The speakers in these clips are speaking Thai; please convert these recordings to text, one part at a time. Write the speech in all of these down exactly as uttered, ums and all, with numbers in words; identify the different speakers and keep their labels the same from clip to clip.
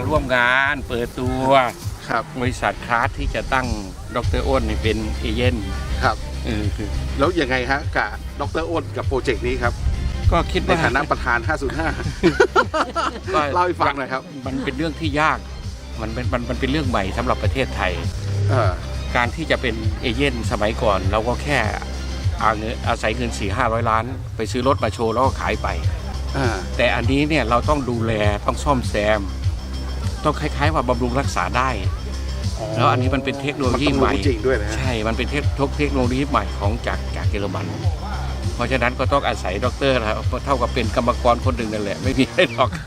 Speaker 1: ร่วมงานเปิดตัว
Speaker 2: ครับ
Speaker 1: บริษัทคลาสที่จะตั้งดร.อ้นเป็นเอเจนต์
Speaker 2: ครับ
Speaker 1: เออคือ
Speaker 2: แล้วยังไงฮะกับดร.อ้นกับโปรเจกต์นี้ครับ
Speaker 1: ก็คิด
Speaker 2: ใน
Speaker 1: ว่า
Speaker 2: ฐานะประธานห้าศูนย์ห้าเล่าให้ฟังหน่อยครับ
Speaker 1: มันเป็นเรื่องที่ยากมันเป็นมันมันเป็นเรื่องใหม่สำหรับประเทศไทยการที่จะเป็นเอเจนต์สมัยก่อนเราก็แค่อาเงินอาศัยเงินสี่ห้าร้อยล้านไปซื้อรถมาโชว์แล้วก็ขายไปแต่อันนี้เนี่ยเราต้องดูแลต้องซ่อมแซมต้องคล้ายๆว่าบำรุงรักษาได้แล้วอันนี้มันเป็นเทคโนโลยีใหม่
Speaker 2: จริงด้วยนะ
Speaker 1: ใช่มันเป็นเทคเทคโนโลยีใหม่ของจากจากเยอรมันเพราะฉะนั้นก็ต้องอาศัยด็อกเตอร์นะเท่ากับเป็นกรรมกรคนหนึ่งนั่นแหละไม่มีอะไรหรอก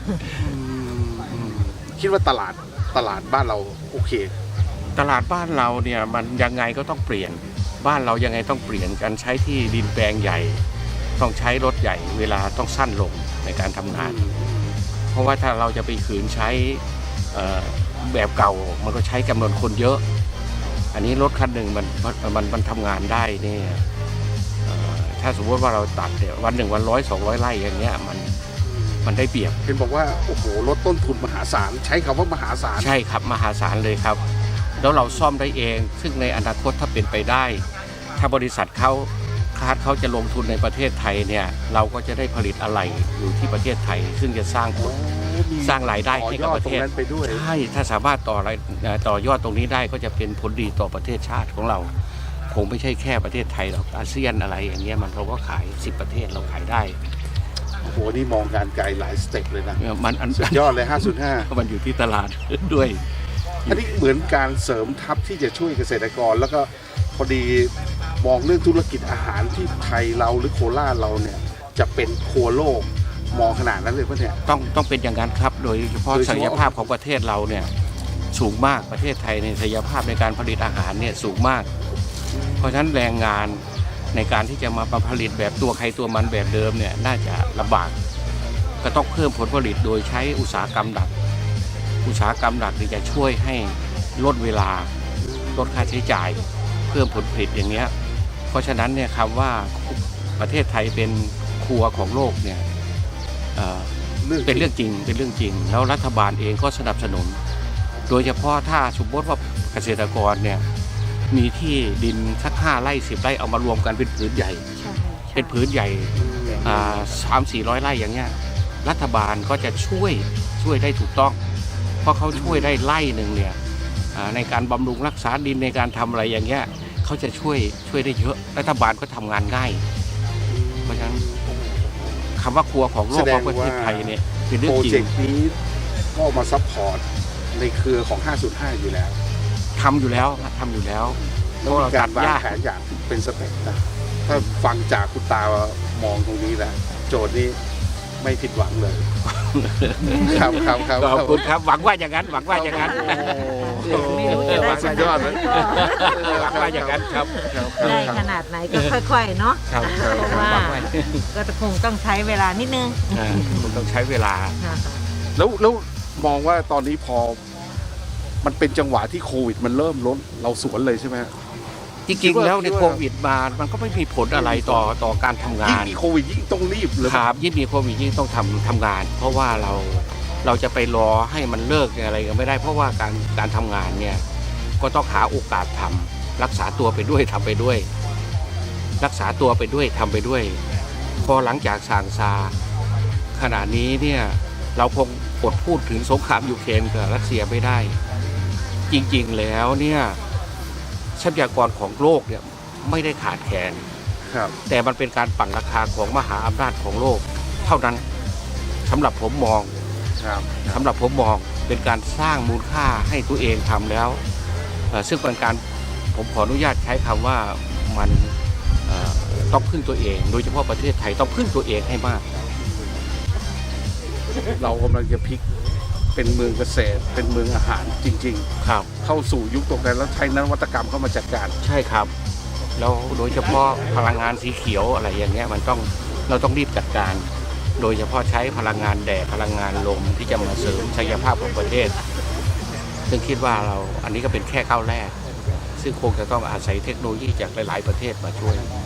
Speaker 2: คิดว่าตลาดตลาดบ้านเราโอเค
Speaker 1: ตลาดบ้านเราเนี่ยมันยังไงก็ต้องเปลี่ยนบ้านเรายังไงต้องเปลี่ยนการใช้ที่ดินแปลงใหญ่ต้องใช้รถใหญ่เวลาต้องสั้นลงในการทำงานเพราะว่าถ้าเราจะไปขืนใช้แบบเก่ามันก็ใช้จำนวนคนเยอะอันนี้รถคันหนึ่งมันมันมันทำงานได้เนี่ยถ้าสมมติว่าเราตัดเนี่ยวันหนึ่งวันร้อยสองร้อยไร่อย่างเงี้ยมันมันได้เปรียบ
Speaker 2: เห็นบอกว่าโอ้โหลดต้นทุนมหาศาลใช้คำว่ามหาศาล
Speaker 1: ใช่ครับมหาศาลเลยครับแล้วเราซ่อมได้เองซึ่งในอนาคตถ้าเป็นไปได้ถ้าบริษัทเขาคาดเขาจะลงทุนในประเทศไทยเนี่ยเราก็จะได้ผลิตอะไหล่อยู่ที่ประเทศไทยซึ่งจะสร้างผลสร้างรายได้ให้กับประเทศใช่ถ้าสามารถต่อต่อยอดตรงนี้ได้ก็จะเป็นผลดีต่อประเทศชาติของเราคงไม่ใช่แค่ประเทศไทยหรอกอาเซียนอะไรอย่างเงี้ยมันเราก็ขายสิบประเทศเราขายได้
Speaker 2: โอ้โหนี่มองการไกลหลายสเต็ปเลยนะ
Speaker 1: มัน
Speaker 2: สุดยอดเลยห้าศูนย์ห้า
Speaker 1: มันอยู่ที่ตลาดด้วย
Speaker 2: อันนี้เหมือนการเสริมทัพที่จะช่วยเกษตรกรแล้วก็พอดีมองเรื่องธุรกิจอาหารที่ไทยเราหรือโคราชเราเนี่ยจะเป็นครัวโลกมองขนาดนั้นเลยป่ะเนี่ย
Speaker 1: ต้องต้องเป็นอย่างนั้นครับโดยเฉพาะศักยภาพของประเทศเราเนี่ยสูงมากประเทศไทยในศักยภาพในการผลิตอาหารเนี่ยสูงมากเพราะฉะนั้นแรงงานในการที่จะมาผลิตแบบตัวใครตัวมันแบบเดิมเนี่ยน่าจะลำบากก็ต้องเพิ่มผลผลิตโดยใช้อุตสาหกรรมหลักอุตสาหกรรมหลักที่จะช่วยให้ลดเวลาลดค่าใช้จ่ายเพิ่มผลผลิตอย่างเนี้ยเพราะฉะนั้นเนี่ยคำว่าประเทศไทยเป็นครัวของโลกเนี่ยเป็นเรื่องจริงเป็นเรื่องจริงแล้วรัฐบาลเองก็สนับสนุนโดยเฉพาะถ้าสมมติว่าเกษตรกรเนี่ยมีที่ดินสักห้าไร่สิบไร่เอามารวมกันเป็นผืนใหญ่เป็นผืนใหญ่สามสี่ร้อยไร่อย่างเงี้ยรัฐบาลก็จะช่วยช่วยได้ถูกต้องเพราะเขาช่วยได้ไร่หนึ่งเนี่ยในการบำรุงรักษาดินในการทำอะไรอย่างเงี้ยเขาจะช่วยช่วยได้เยอะรัฐบาลก็ทำงานง่ายเพราะฉะนั้นคำว่าครัวของโลกของประเทศไทยเนี่ยเป็นเรื่องจริงโปรเจก
Speaker 2: ต์นี้ก็มาซัพพอร์ตในเครือของห้าศูนย์ห้าอยู่แล้ว
Speaker 1: ทำอยู่แล้วทำอยู่แล้ว
Speaker 2: เพราะเราตัดวางแผนอย่างเป็นสเต็ปนะถ้าฟังจากคุณตามองตรงนี้แล้วโจทย์นี้ไม่ผิดหวังเลยครับครับครับ
Speaker 1: ขอบคุณครับหวังว่าอย่างนั้นหวังว่าอย่างนั้น
Speaker 2: สุดยอดเลย
Speaker 1: หวังว่าอย่างนั้นครับ
Speaker 3: ได้ขนาดไหนก็ค่อยๆเนาะเพราะว่าก็คงต้องใช้เวลานิดนึง
Speaker 1: คงต้องใช้เวลา
Speaker 2: แล้วแล้วมองว่าตอนนี้พอมันเป็นจังหวะที่โควิดมันเริ่มลดเราสวนเลยใช่ไหม
Speaker 1: จริงๆแล้วในโควิดมามันก็ไม่มีผลอะไรต่อต่อการทำงาน
Speaker 2: ยิ่งมีโควิดยิ่งต้องรีบเลย
Speaker 1: ครับยิ่งมีโควิดยิ่งต้องทำทำงานเพราะว่าเราเราจะไปรอให้มันเลิกอะไรกันไม่ได้เพราะว่าการการทำงานเนี่ยก็ต้องหาโอกาสทำรักษาตัวไปด้วยทำไปด้วยรักษาตัวไปด้วยทำไปด้วยพอหลังจากส่างซาขณะนี้เนี่ยเราคงอดพูดถึงสงครามยูเครนกับรัสเซียไม่ได้จริงๆแล้วเนี่ยทรัพยากรของโลกเนี่ยไม่ได้ขาดแคลนแต่มันเป็นการปั่นราคาของมหาอำนาจของโลกเท่านั้นสำหรับผมมองสำหรับผมมองเป็นการสร้างมูลค่าให้ตัวเองทำแล้วซึ่งเป็นการผมขออนุญาตใช้คำว่ามันต้องพึ่งตัวเองโดยเฉพาะประเทศไทยต้องพึ่งตัวเองให้มาก
Speaker 2: เรากำลังจะพลิกเป็นเมืองเกษตรเป็นเมืองอาหารจริง
Speaker 1: ๆครับ
Speaker 2: เข้าสู่ยุคตรงนั้นแล้วใช้นวัตกรรมเข้ามาจัดการ
Speaker 1: ใช่ครับแล้วโดยเฉพาะพลังงานสีเขียวอะไรอย่างเงี้ยมันต้องเราต้องรีบจัดการโดยเฉพาะใช้พลังงานแดดพลังงานลมที่จะมาเสริมศักยภาพของประเทศซึ่งคิดว่าเราอันนี้ก็เป็นแค่ก้าวแรกซึ่งคงจะต้องอาศัยเทคโนโลยีจากหลายๆประเทศมาช่วย